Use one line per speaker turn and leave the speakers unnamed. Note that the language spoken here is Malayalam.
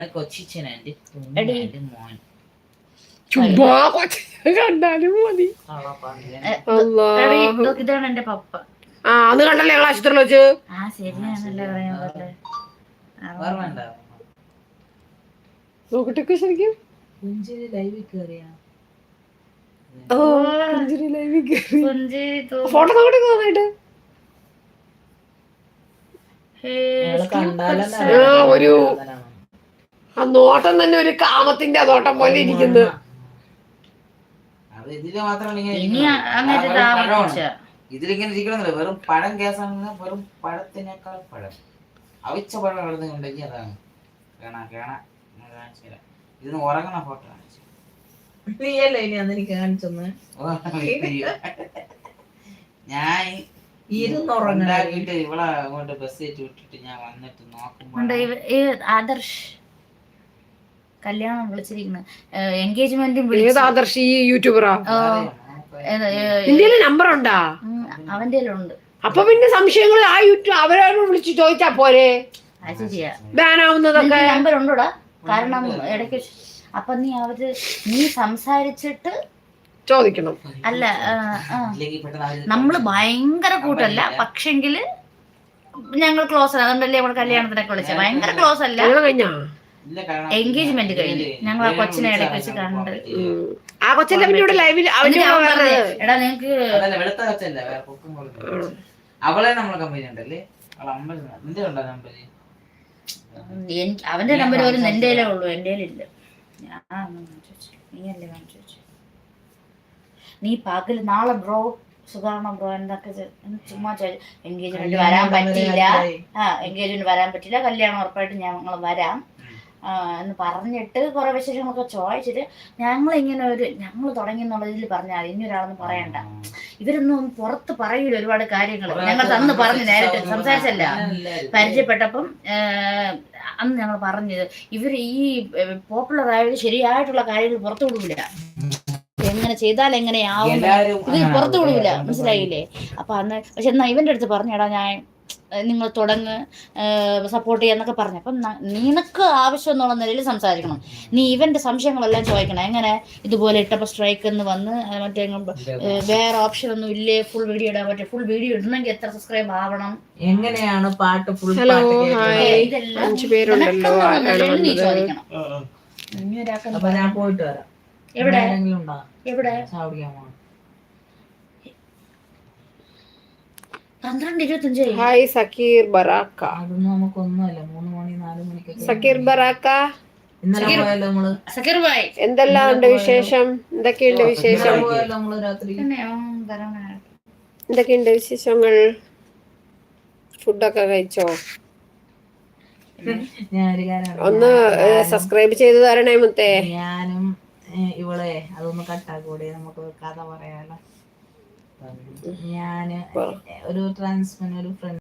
കൊച്ചിച്ചനെന്റെ മോൻ
കണ്ടാലും മതി.
ഇതാണ് എന്റെ പപ്പ.
അന്ന് കണ്ടല്ലേ ഞങ്ങൾ ആശുപത്രിയിൽ വെച്ച്.
ശരിയാണല്ലേ പറയാ
നോക്കട്ടെ ശരിക്കും. ഫോട്ടോ നോക്കട്ടെ നന്നായിട്ട്. ഒരു ആ നോട്ടം തന്നെ ഒരു കാമത്തിന്റെ നോട്ടം പോലെ ഇരിക്കുന്നു.
ഇതിലിങ്ങനെ ഇരിക്കണമെന്നില്ല, വെറും പഴം കേസാണ്. വെറും പഴത്തിനേക്കാൾ പഴം അവിച്ച പഴം എഴുതുന്നുണ്ടെങ്കിൽ അതാണ്. ഇതിന് ഉറങ്ങണ ഫോട്ടോ ഞാൻ ഇരുന്നുറങ്ങിട്ട് ഇവളെ അങ്ങോട്ട് ബസ് കയറ്റി വിട്ടിട്ട് ഞാൻ വന്നിട്ട് നോക്കുമ്പോ
ആദർശ് കല്യാണം വിളിച്ചിരിക്കുന്നത്, എൻഗേജ്മെന്റും
ആദർശ് ഈ യൂട്യൂബറാ. ഇന്ത്യയിലെ നമ്പർ ഉണ്ടാ
അവന്റെ ഉണ്ട്.
അപ്പൊ പിന്നെ സംശയങ്ങൾ ആ യൂട്യൂബ് അവരോട് വിളിച്ച് ചോദിച്ചാ പോരെ. ബാനാവുന്നതൊക്കെ
നമ്പർ ഉണ്ടോടാ? കാരണം ഇടയ്ക്ക് അപ്പൊ നീ സംസാരിച്ചിട്ട്
ചോദിക്കണം.
അല്ല നമ്മള് ഭയങ്കര കൂട്ടല്ല, പക്ഷെങ്കില് ഞങ്ങൾ ക്ലോസ് ആണ്. അതുകൊണ്ടല്ലേ നമ്മൾ കല്യാണത്തിനൊക്കെ വിളിച്ചത്. ഭയങ്കര ക്ലോസ് അല്ല. എൻഗേജ്മെന്റ് കഴിഞ്ഞു ഞങ്ങൾ ആ കൊച്ചിനെ ഇടയ്ക്ക് വെച്ച് കണ്ട്.
ആ കൊച്ചല്ലേ ലൈവിൽ
എടാ നിങ്ങക്ക്
അവളെ നമ്മളെ കമ്പനി ഉണ്ടല്ലേ.
അവന്റെ നമ്പർ പോലും എന്റെ ഉള്ളൂ, എന്റെ ഇല്ല. നീയല്ലേ കാണിച്ചു വെച്ചു. നീ പകല് നാളെ ബ്രോ സുഖാണോ ബ്രോ എന്തൊക്കെ ചുമ്മാ എൻഗേജ്മെന്റ് വരാൻ പറ്റിയില്ല. എൻഗേജ്മെന്റ് വരാൻ പറ്റില്ല, കല്യാണം ഉറപ്പായിട്ട് ഞങ്ങൾ വരാം എന്ന് പറഞ്ഞിട്ട് കുറെ വിശേഷങ്ങളൊക്കെ ചോദിച്ചിട്ട് ഞങ്ങൾ തുടങ്ങി എന്നുള്ളതിൽ പറഞ്ഞാൽ ഇനി ഒരാളൊന്നും പറയണ്ട. ഇവരൊന്നും പുറത്ത് പറയൂല ഒരുപാട് കാര്യങ്ങൾ. ഞങ്ങൾ അന്ന് പറഞ്ഞു, നേരിട്ട് സംസാരിച്ചല്ല, പരിചയപ്പെട്ടപ്പം അന്ന് ഞങ്ങൾ പറഞ്ഞത് ഇവർ ഈ പോപ്പുലർ ആയത് ശരിയായിട്ടുള്ള കാര്യങ്ങൾ പുറത്തു വിടൂല. എങ്ങനെ ചെയ്താൽ എങ്ങനെയാവും ഇത് പുറത്തു വിടൂല, മനസ്സിലായില്ലേ? അപ്പൊ അന്ന് പക്ഷെ എന്നാ ഇവന്റെ അടുത്ത് പറഞ്ഞടാ ഞാൻ നിങ്ങൾ തുടങ്ങ് സപ്പോർട്ട് ചെയ്യാന്നൊക്കെ പറഞ്ഞു. അപ്പം നിനക്ക് ആവശ്യം എന്നുള്ള നിലയിൽ സംസാരിക്കണം. നീ ഇവന്റെ സംശയങ്ങളെല്ലാം ചോദിക്കണം. എങ്ങനെ ഇതുപോലെ ഇട്ടപ്പോൾ സ്ട്രൈക്ക് എന്ന് വന്ന് മറ്റേ വേറെ ഓപ്ഷൻ ഒന്നും ഇല്ലേ, ഫുൾ വീഡിയോ ഇടാൻ പറ്റും, ഫുൾ വീഡിയോ ഇടണമെങ്കിൽ എത്ര സബ്സ്ക്രൈബ് ആവണം,
എങ്ങനെയാണ് പാട്ട് ഫുൾ
ഇതെല്ലാം നീ ചോദിക്കണം.
ഞാൻ പോയിട്ട് വരാം.
എവിടെ എവിടെ 12:25.
ഹായ് സക്കീർ ബറാക്ക.
അതൊന്നും നമുക്കൊന്നുമല്ല. 3 മണി 4 മണിക്കൊക്കെ
സക്കീർ ബറാക്ക.
സക്കീർ ഭായ്
എന്തെല്ലാം ഉണ്ട് വിശേഷം? എന്തൊക്കെയുണ്ട് വിശേഷം? എന്തൊക്കെയുണ്ട് വിശേഷങ്ങൾ? ഫുഡൊക്കെ കഴിച്ചോ? ഒന്ന് സബ്സ്ക്രൈബ് ചെയ്ത് തരണേ മുത്തേ.
ഞാനും ഇവളെ അതൊന്ന് കട്ടാക്കൂടെ, നമുക്ക് കഥ പറയാലോ. ഞാന് ഒരു ഫ്രണ്ട്